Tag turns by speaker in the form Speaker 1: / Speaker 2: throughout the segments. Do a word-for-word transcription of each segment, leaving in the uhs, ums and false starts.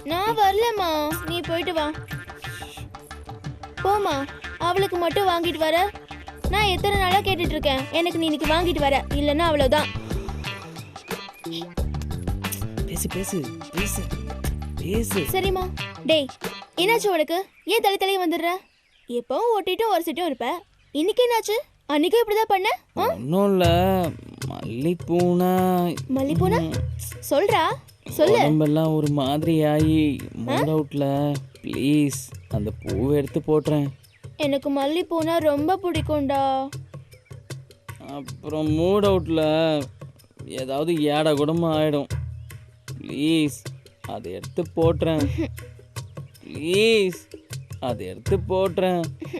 Speaker 1: நான் வரலம்மா, நீ போயிட்டு வா. போமா, அவளுக்கு மட்டும் வாங்கிட்டு வர. நான் எத்தனை நாளா கேட்டுட்டு இருக்கேன், எனக்கு நீ இன்னைக்கு வாங்கிட்டு வர, இல்லைன்னா அவ்வளவுதான்.
Speaker 2: பேசு பேசு பேசு பேசு.
Speaker 1: சரிம்மா. டேய், என்னாச்சு உனக்கு? ஏன் தலை தலையே வந்துடுற? எப்பவும் ஓட்டிட்டும் ஒரு சிட்டும் இருப்ப, இன்னைக்கு என்னாச்சு? அன்னைக்கும் இப்படிதான் பண்ண?
Speaker 2: ஒன்றும் இல்லை, மல்லிப்பூனா.
Speaker 1: மல்லிப்பூனா? சொல்றா, சொல்லு.
Speaker 2: உடம்பெல்லாம் ஒரு மாதிரி ஆகி மூட் அவுட்ல. ப்ளீஸ் அந்த பூவை எடுத்து போட்டுறேன்.
Speaker 1: எனக்கு மல்லிப்பூனா ரொம்ப பிடிக்கும்டா.
Speaker 2: அப்புறம் மூட் அவுட்ல ஏதாவது ஏடா கூடமா ஆயிடும். ப்ளீஸ் அதை எடுத்து போட்டுறேன். ப்ளீஸ் அதை எடுத்து போட்டுறேன்.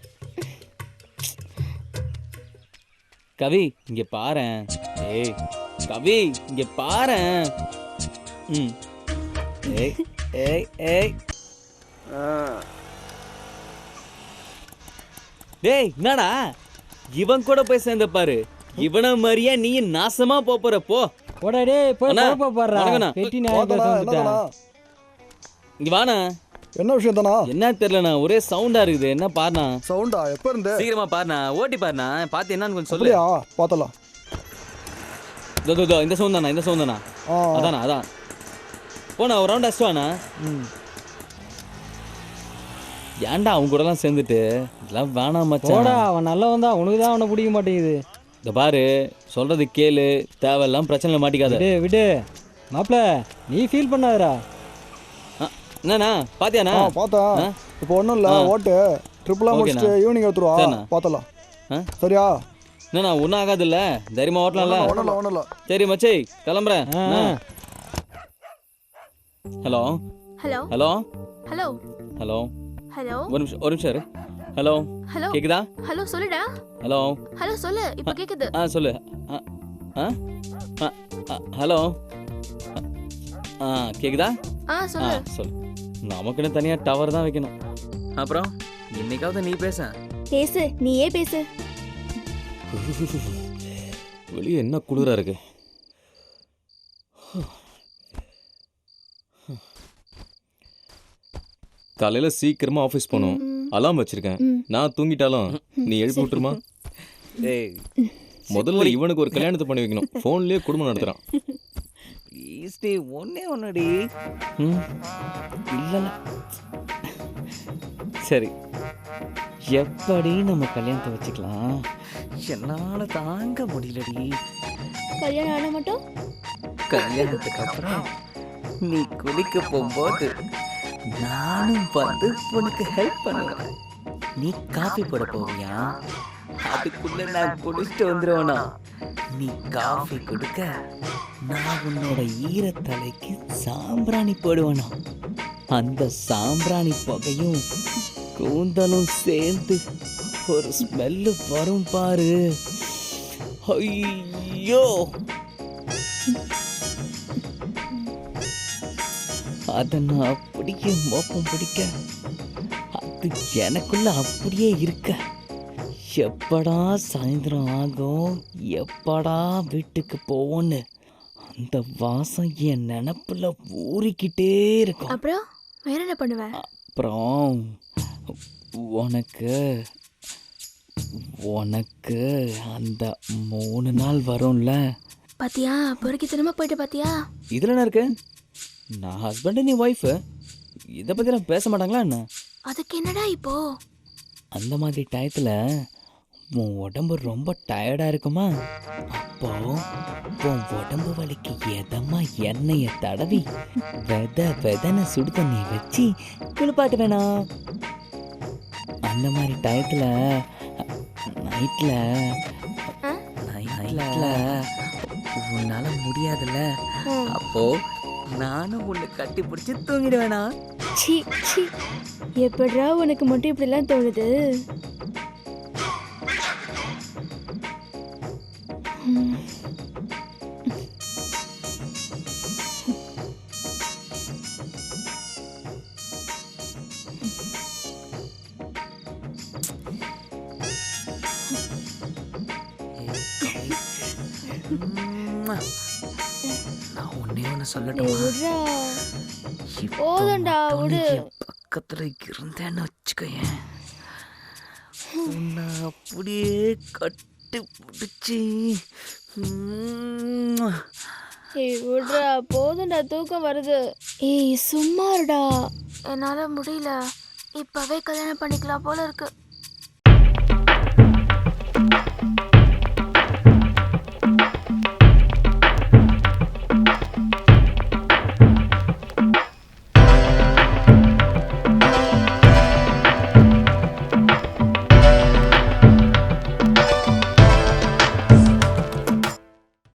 Speaker 2: கவி இங்க பாரேன். ஏய் கவி இங்க பாரேன். ம் ஏய் ஏய் ஏய் டேய் என்னடா இவன் கூட போய் சேர்ந்த பாரு. இவன மாதிரியா நீ நாசமா போற. போ
Speaker 3: போடா டேய், போய்
Speaker 2: அண்ணா,
Speaker 3: போப்பா பாறா.
Speaker 2: வணக்கண்ணா.
Speaker 3: வெட்டி நாய் பேச வந்துட்டா.
Speaker 2: இங்க வாண்ணா.
Speaker 4: என்ன விஷயம் தானா?
Speaker 2: என்ன தெரியலண்ணா, ஒரே சவுண்டா இருக்குது. என்ன பாருண்ணா.
Speaker 4: சவுண்டா எப்ப இருந்து?
Speaker 2: சீக்கிரமா பாருண்ணா, ஓட்டி பாருண்ணா. பார்த்து என்னன்னு கொஞ்சம் சொல்லு.
Speaker 4: அப்படியா, பார்த்தலாம்.
Speaker 2: இதோ இதோ இந்த சவுண்ட் தானா, இந்த சவுண்ட் தானா?
Speaker 4: ஆ
Speaker 2: அதானா அதான். போண்ணா ஒரு ரவுண்ட் அடிச்சுவாண்ணா.
Speaker 4: ம்
Speaker 2: ஏன்டா அவங்க கூடலாம் சேர்ந்துட்டு இதெல்லாம் வேணாம் மச்சான்.
Speaker 3: போடா, அவன் நல்லவன் தான், உனக்கு தான் அவனை பிடிக்க மாட்டேங்குது.
Speaker 2: இந்த பாரு சொல்றது கேளு, தேவையெல்லாம் பிரச்சனைல மாட்டிக்காத.
Speaker 3: விடு விடு மாப்ள, நீ ஃபீல் பண்ணாதடா.
Speaker 2: ஆ, என்னண்ணா பாத்தியாண்ணா?
Speaker 4: ஆ பார்த்தேன்.
Speaker 2: ஆ?
Speaker 4: இப்போ ஒன்றும் இல்லை,
Speaker 2: ஆ.
Speaker 4: ஓட்டு ட்ரிப்லாம்
Speaker 2: ஓகேண்ணா.
Speaker 4: முடிச்சுட்டு ஈவினிங் எடுத்துருவா.
Speaker 2: சரிண்ணா.
Speaker 4: பார்த்தலாம்.
Speaker 2: ஆ?
Speaker 4: சரியா?
Speaker 2: என்னண்ணா ஒன்றும் ஆகாதுல்ல, தைரியமா ஓட்டலாம்ல?
Speaker 4: ஒன்றும் இல்லை, ஒன்றும் இல்லை.
Speaker 2: சரி மச்சி கிளம்புறேன்.
Speaker 3: ஆ,
Speaker 2: என்ன?
Speaker 3: ஆ.
Speaker 2: Hello
Speaker 1: hello
Speaker 2: hello
Speaker 1: hello
Speaker 2: hello
Speaker 1: hello
Speaker 2: ஒரு நிமிஷம் ஒரு நிமிஷம் இரு. ஹலோ
Speaker 1: ஹலோ
Speaker 2: கேக்குதா?
Speaker 1: ஹலோ சொல்லுடா.
Speaker 2: ஹலோ
Speaker 1: ஹலோ சொல்லு, இப்ப கேக்குது.
Speaker 2: ஆ சொல்லு. ஆ ஆ ஆ, ஆ, ஹலோ ஆ, ஆ கேக்குதா?
Speaker 1: ஆ
Speaker 2: ஆ
Speaker 1: சொல்லு.
Speaker 2: சொல்லு. நமக்குன்னு தனியா டவர் தான் வைக்கணும். அப்புறம் இன்னைக்காவது நீ பேச.
Speaker 1: பேசு, நீயே பேசு.
Speaker 2: வெளியே என்ன குளிரா இருக்கு.
Speaker 5: காலையில சீக்கிரமா ஆஃபீஸ் போகணும்.
Speaker 1: ம்.
Speaker 5: அலாம் வச்சிருக்கேன்.
Speaker 1: ம்.
Speaker 5: நான் தூங்கிட்டாலும் நீ எழுப்பி விட்டுருமா?
Speaker 2: டேய்
Speaker 5: முதல்ல இவனுக்கு ஒரு கல்யாணத்தை பண்ணி வைக்கணும். ஃபோன்லயே குடும்பம் நடத்துறான்.
Speaker 2: ப்ளீஸ் டே, ஒன்னே ஒன்னடி. ம் இல்லைல்ல. சரி, எப்படி நம்ம கல்யாணத்தை வச்சுக்கலாம்? என்னால தாங்க முடியலடி.
Speaker 1: கல்யாணம் ஆன மட்டும்
Speaker 2: கல்யாணத்துக்கு அப்புறம் நீ குளிக்க போகும்போது நானும் வந்து உனக்கு ஹெல்ப் பண்ணுவேன். நீ காஃபி போட போவியா? அதுக்குள்ள நான் குளிச்சுட்டு வந்துடுவேனா? நீ காஃபி கொடுக்க நான் உன்னோட ஈரத்தலைக்கு சாம்பிராணி போடுவேனா? அந்த சாம்பிராணி புகையும் கூந்தலும் சேர்ந்து ஒரு ஸ்மெல்லு வரும் பாரு. ஐயோ, அதை நான் அப்படியே மோப்பம் பிடிக்க அது எனக்குள்ள அப்படியே இருக்க. எப்படா சாயந்தரம் ஆகும், எப்படா வீட்டுக்கு போவோன்னு அந்த வாசம் என் நினப்புல ஊறிக்கிட்டே இருக்கும்.
Speaker 1: அப்புறம் வேற என்ன பண்ணுவ?
Speaker 2: அப்புறம் உனக்கு உனக்கு அந்த மூணு நாள் வரும்ல.
Speaker 1: பாத்தியா, பொறுக்கித்தனமா போயிட்டு பாத்தியா?
Speaker 2: இதில் என்ன இருக்கு? நான் ஹஸ்பண்டு, நீ ஒய்ஃபு, இதை பற்றிலாம் பேச மாட்டாங்களா என்ன?
Speaker 1: அதுக்கு என்னடா இப்போ?
Speaker 2: அந்த மாதிரி டயத்தில் உன் உடம்பு ரொம்ப டயர்டாக இருக்குமா? அப்போ உன் உடம்பு வலிக்கு எதமா எண்ணெயை தடவி வெத வெதனை சுடு தண்ணி வச்சு குளிப்பாட்டு வேணாம். அந்த மாதிரி டயத்தில் நைட்டில் நைட்டில் உன்னால முடியாதுல்ல, அப்போ நானும் உன்னை கட்டி பிடிச்சி தூங்கிட வேணாம்.
Speaker 1: சி சி, எப்படிடா உனக்கு மட்டும் இப்படிலாம் தோணுது? ம்.
Speaker 2: நான் ஒன்னே ஒன்று சொல்லட்டுமா?
Speaker 1: விட்றா.
Speaker 2: இப்போ
Speaker 1: போதும்டா,
Speaker 2: மட்டும் நீ
Speaker 1: விடு.
Speaker 2: என் பக்கத்துல இருந்தேன்னு வச்சுக்கோயேன், உன்னை அப்படியே கட்டி பிடிச்சி
Speaker 1: ஏய் விடுறா, போதும்டா, தூக்கம் வருது. ஏய் சும்மா இருடா, என்னால முடியல. இப்பவே கல்யாணம் பண்ணிக்கலாம் போல இருக்கு.